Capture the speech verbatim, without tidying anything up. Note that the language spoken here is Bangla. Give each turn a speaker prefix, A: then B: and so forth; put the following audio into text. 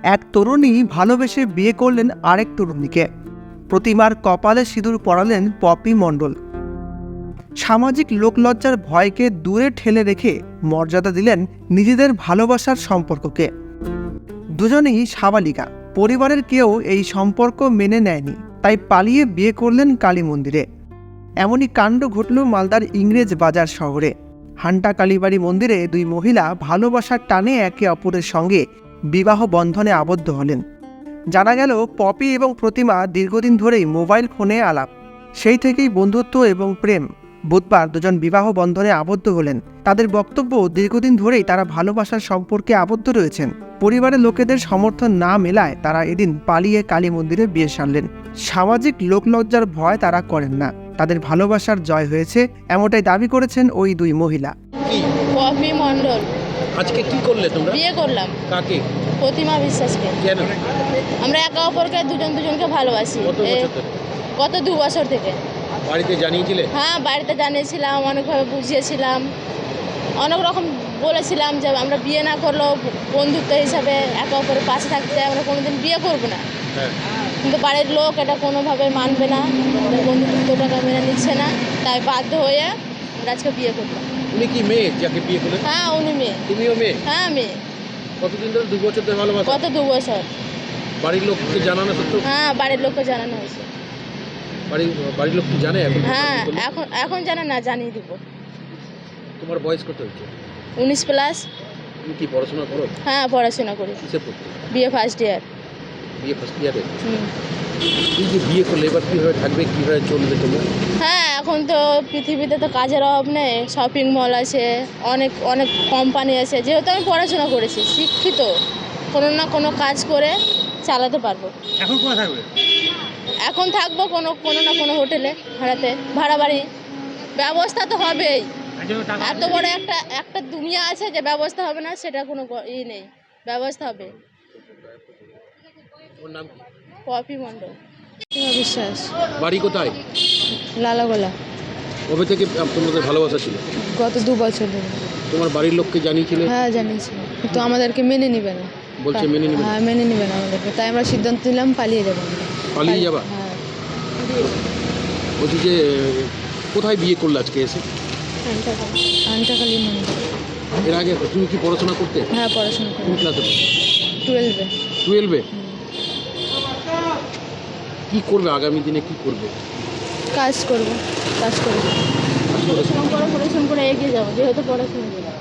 A: এক তরুণী ভালোবেসে বিয়ে করলেন আরেক তরুণীকে। প্রতিমার কপালে সিঁদুর পরালেন পপি মণ্ডল। সামাজিক লোকলজ্জার ভয়কে দূরে ঠেলে রেখে মর্যাদা দিলেন নিজেদের ভালোবাসার সম্পর্ককে। দুজনেই সাবালিকা, পরিবারের কেউ এই সম্পর্ক মেনে নেয়নি, তাই পালিয়ে বিয়ে করলেন কালী মন্দিরে। এমনই কাণ্ড ঘটল মালদার ইংরেজ বাজার শহরে। হান্টা কালীবাড়ি মন্দিরে দুই মহিলা ভালোবাসার টানে একে অপরের সঙ্গে বিবাহ বন্ধনে আবদ্ধ হলেন। জানা গেল পপি এবং প্রতিমা দীর্ঘদিন ধরেই মোবাইল ফোনে আলাপ, সেই থেকেই বন্ধুত্ব এবং প্রেম। বুধবার দুজন বিবাহ বন্ধনে আবদ্ধ হলেন। তাদের বক্তব্য, দীর্ঘদিন ধরেই তারা ভালোবাসার সম্পর্কে আবদ্ধ রয়েছেন। পরিবারের লোকেদের সমর্থন না মেলায় তারা এদিন পালিয়ে কালী মন্দিরে বিয়ে সারলেন। সামাজিক লোকলজ্জার ভয় তারা করেন না, তাদের ভালোবাসার জয় হয়েছে, এমনটাই দাবি করেছেন ওই দুই মহিলা।
B: পপি মণ্ডল।
C: আজকে কি করলে তোমরা?
B: বিয়ে করলাম।
C: কাকে?
B: প্রতিমা বিশ্বাসকে।
C: কেন?
B: আমরা একে অপরকে দুজন দুজনকে ভালোবাসি।
C: কত বছর ধরে?
B: গত দু বছর থেকে।
C: বাড়িতে জানিয়েছিলে?
B: হ্যাঁ, বাড়িতে জানিয়েছিলাম, অনেকভাবে বুঝিয়েছিলাম, অনেক রকম বলেছিলাম যে আমরা বিয়ে না করলেও বন্ধুত্ব হিসাবে একে অপরের পাশে থাকতে চাই, আমরা কোনোদিন বিয়ে করবো না।
C: হ্যাঁ।
B: কিন্তু বাড়ির লোক এটা কোনোভাবে মানবে না, বন্ধুত্বটাকে মেনে নিচ্ছে না, তাই বাধ্য হয়ে আমরা আজকে বিয়ে করলাম।
C: উনি কি মেয়ে যাকে বিয়ে করলেন?
B: হ্যাঁ, উনি মেয়ে।
C: তুমিও মেয়ে?
B: হ্যাঁ, মেয়ে।
C: কতদিন ধরে? দু বছর ধরে ভালোবাসা?
B: গত দু বছর।
C: বাড়ির লোককে জানানো সত্ত্বেও?
B: হ্যাঁ, বাড়ির লোককে জানানো হয়েছে।
C: বাড়ির বাড়ির লোক কি জানে এখন?
B: হ্যাঁ, এখন এখন জানে না, জানিয়ে দিব।
C: তোমার বয়স কত হচ্ছে?
B: উনিশ প্লাস।
C: তুমি কি পড়াশোনা করো?
B: হ্যাঁ, পড়াশোনা করি।
C: কিসে পড়তে?
B: বিয়ে ফার্স্ট ইয়ার।
C: বিয়ে ফার্স্ট ইয়ারে?
B: হুম।
C: এই যে বিয়ে করলে এবার কীভাবে থাকবে, কীভাবে চলবে তোমরা?
B: হ্যাঁ, এখন তো পৃথিবীতে তো কাজের অভাব নেই, শপিং মল আছে, অনেক অনেক কোম্পানি আছে। যেহেতু আমি পড়াশোনা করেছি, শিক্ষিত, কোনো না কোনো কাজ করে চালাতে পারবো।
C: এখন কোথায় থাকবে?
B: এখন থাকবো কোনো কোনো না কোনো হোটেলে, ভাড়াতে, ভাড়া বাড়ি। ব্যবস্থা তো হবেই। এত বড় একটা একটা দুনিয়া আছে যে ব্যবস্থা হবে না, সেটা কোনো ই নেই, ব্যবস্থা হবে।
C: ওর নাম কি?
B: পপি মণ্ডল। বিশ্বাস।
C: বাড়ি কোথায়?
B: লালাগোলা।
C: কবে থেকে তোমাদের ভালোবাসা ছিল?
B: গত দু বছর ধরে।
C: তোমার বাড়ির লোককে জানিয়েছিলে?
B: হ্যাঁ, জানিয়েছি, কিন্তু আমাদেরকে মেনে নিবে না।
C: বলছে মেনে নিবে?
B: হ্যাঁ, মেনে নিবে না আমাদেরকে, তাই আমরা সিদ্ধান্ত নিলাম পালিয়ে যাবো।
C: পালিয়ে যাবা?
B: হ্যাঁ।
C: বলছি যে কোথায় বিয়ে করলে আজকে এসে?
B: আন্টাকালী মন্দির।
C: এর আগে তুমি কি পড়াশোনা করতে?
B: হ্যাঁ, পড়াশোনা করি।
C: কোন ক্লাসে?
B: টুয়েলভে।
C: টুয়েলভে? কি করবে আগামী দিনে, কি করবে?
B: কাজ করবো, কাজ করবো, পড়াশোনা করে পড়াশোনা করে এগিয়ে যাবো, যেহেতু পড়াশোনা করবো।